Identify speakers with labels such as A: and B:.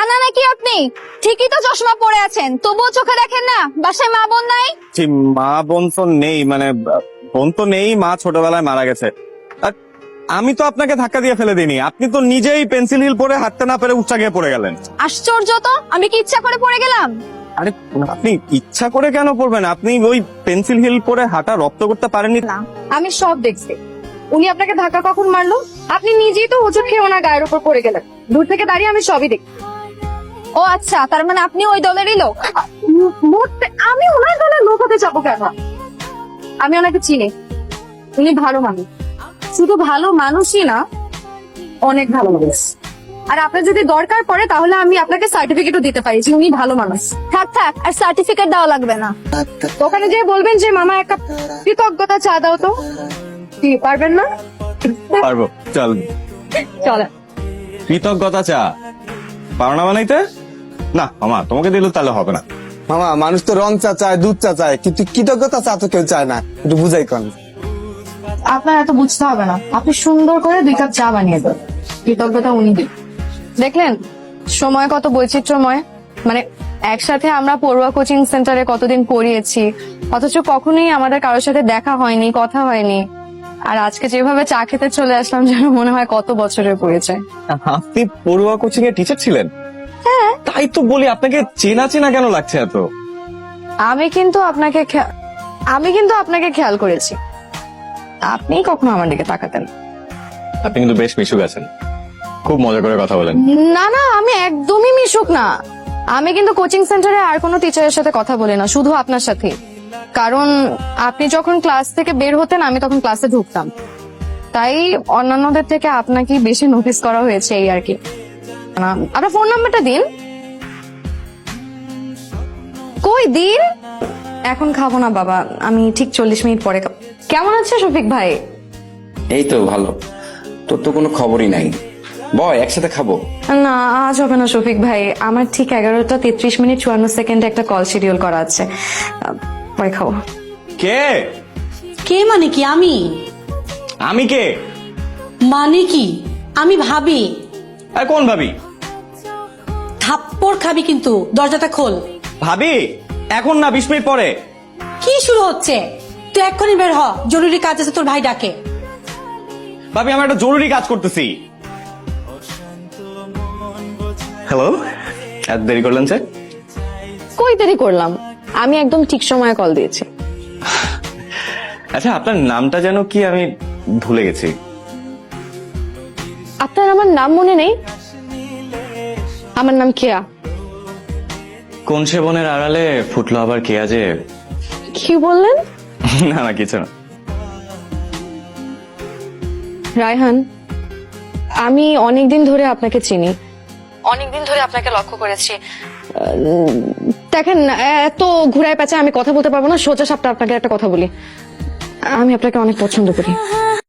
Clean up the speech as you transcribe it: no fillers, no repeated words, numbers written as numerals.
A: কানা নাকি আপনি? ঠিকই তো চশমা পরে আছেন, তবুও চোখে দেখেন না? বাসায় মা বোন নাই?
B: জি, মা বোন তো নেই, মানে বোন তো নেই, মা ছোটবেলায় মারা গেছে। আর আমি তো আপনাকে ধাক্কা দিয়ে ফেলে দিইনি, আপনি তো নিজেই পেন্সিল হিল পরে হাঁটতে না পেরে উচ্চা গিয়ে পড়ে গেলেন।
A: আশ্চর্য তো, আমি কি ইচ্ছা করে পড়ে গেলাম?
B: আরে আপনি ইচ্ছা করে কেন পড়বেন? আপনি ওই পেন্সিল হিল পরে হাঁটা রপ্ত করতে পারেননি?
A: না, আমি সব দেখছি। উনি আপনাকে ধাক্কা কখন মারলো? আপনি নিজেই তো হোঁচট খেয়ে ওনার গায়ের উপর পড়ে গেলেন। দূর থেকে দাঁড়িয়ে আমি সবই দেখি। ও আচ্ছা, তার মানে আপনি ওই দলেরই লোক? আমি ওনার দলের লোক হতে যাবো কেন? আমি ওনাকে চিনি, উনি ভালো মানুষ। শুধু ভালো মানুষই না, অনেক ভালো মানুষ। আর আপনার যদি দরকার পড়ে তাহলে আমি আপনাকে সার্টিফিকেটও দিতে পারি যে উনি ভালো মানুষ। থাক থাক, আর সার্টিফিকেট দেওয়া লাগবে না। ওখানে যেয়ে বলবেন যে মামা একটা কৃতজ্ঞতা চা দাও তো। কি পারবেন না?
B: পারবো, চল।
A: চলে।
B: কৃতজ্ঞতা চা পারো না বানাইতে? না মামা, তোমাকে দিলে তাহলে হবে না।
C: মামা, মানুষ তো রং চা চায়, দুধ চা চায়, কিন্তু কৃতজ্ঞতা চা তো কেউ চায় না। একটু বুঝাই কন।
A: আপনার এত বুঝতে হবে না, আপনি সুন্দর করে 2 কাপ চা বানিয়ে দেন, কৃতজ্ঞতা উনি দিন। দেখলেন সময় কত বৈচিত্র্যময়। মানে একসাথে আমরা পড়ুয়া কোচিং সেন্টারে কতদিন পড়িয়েছি, অথচ কখনোই আমাদের কারোর সাথে দেখা হয়নি, কথা হয়নি। আর আজকে যেভাবে চা খেতে চলে আসলাম, যেন মনে হয় কত বছরের পরিচয়।
B: আপনি পড়ুয়া কোচিং এর টিচার ছিলেন?
A: হ্যাঁ,
B: তাই তো বলি, আপনাকে চেনা চেনা কেন লাগছে এত?
A: আমি কিন্তু আপনাকে খেয়াল করেছি, আপনি কখনো আমার দিকে তাকাতেন?
B: আপনি কিন্তু বেশ মিশুক আছেন, খুব মজা করে কথা বলেন।
A: না না, আমি একদমই মিশুক না। আমি কিন্তু কোচিং সেন্টারে আর কোনো টিচারের সাথে কথা বলি না, শুধু আপনার সাথে। কারণ আপনি যখন ক্লাস থেকে বের হতেন, আমি তখন ক্লাসে ঢুকতাম, তাই অন্যান্যদের থেকে আপনাকে বেশি নোটিস করা হয়েছে, এই আর কি। আপনার ফোন নাম্বারটা দিন। কই দিন? এখন খাবো না বাবা, আমি ঠিক 40 মিনিট পরে খাবো। কেমন আছে শফিক ভাই?
D: এই তো ভালো। তোর তো কোনো খবরই নাই। বয়, একসাথে খাবো।
A: না, আজ হবে না শফিক ভাই, আমার ঠিক 11টা 33 মিনিট 54 সেকেন্ডে একটা কল শিডিউল করা আছে, পরে খাবো।
B: কে?
E: কে মানে কি?
B: আমি কে?
E: মানে কি? আমি ভাবি।
B: আর কোন ভাবি?
E: থাপ্পড় খাবি কিন্তু, দরজাটা খোল।
B: ভাবি এখন না, 20 মিনিট পরে।
E: কি শুরু হচ্ছে? তুই এক্ষুনি বের হ, জরুরি কাজ আছে, তোর ভাই ডাকে।
B: ভাবি আমি একটা জরুরি কাজ করতেছি। হ্যালো, এত দেরি করলেন স্যার?
A: কই দেরি করলাম, আমি একদম ঠিক সময়ে কল দিয়েছি।
B: আচ্ছা, আপনার নামটা যেন কি? আমি ভুলে গেছি।
A: আপনার আমার নাম মনে নেই? আমার নাম কেয়া।
B: কোন সে বনের আড়ালে ফুটলো আবার কে আজে?
A: কি বললেন?
B: না না, কিছু না।
A: রায়হান, আমি অনেকদিন ধরে আপনাকে চিনি, অনেকদিন ধরে আপনাকে লক্ষ্য করেছি। দেখেন, এত ঘুরায় পেঁচায় আমি কথা বলতে পারবো না, সোজা সাপটা আপনাকে একটা কথা বলি, আমি আপনাকে অনেক পছন্দ করি।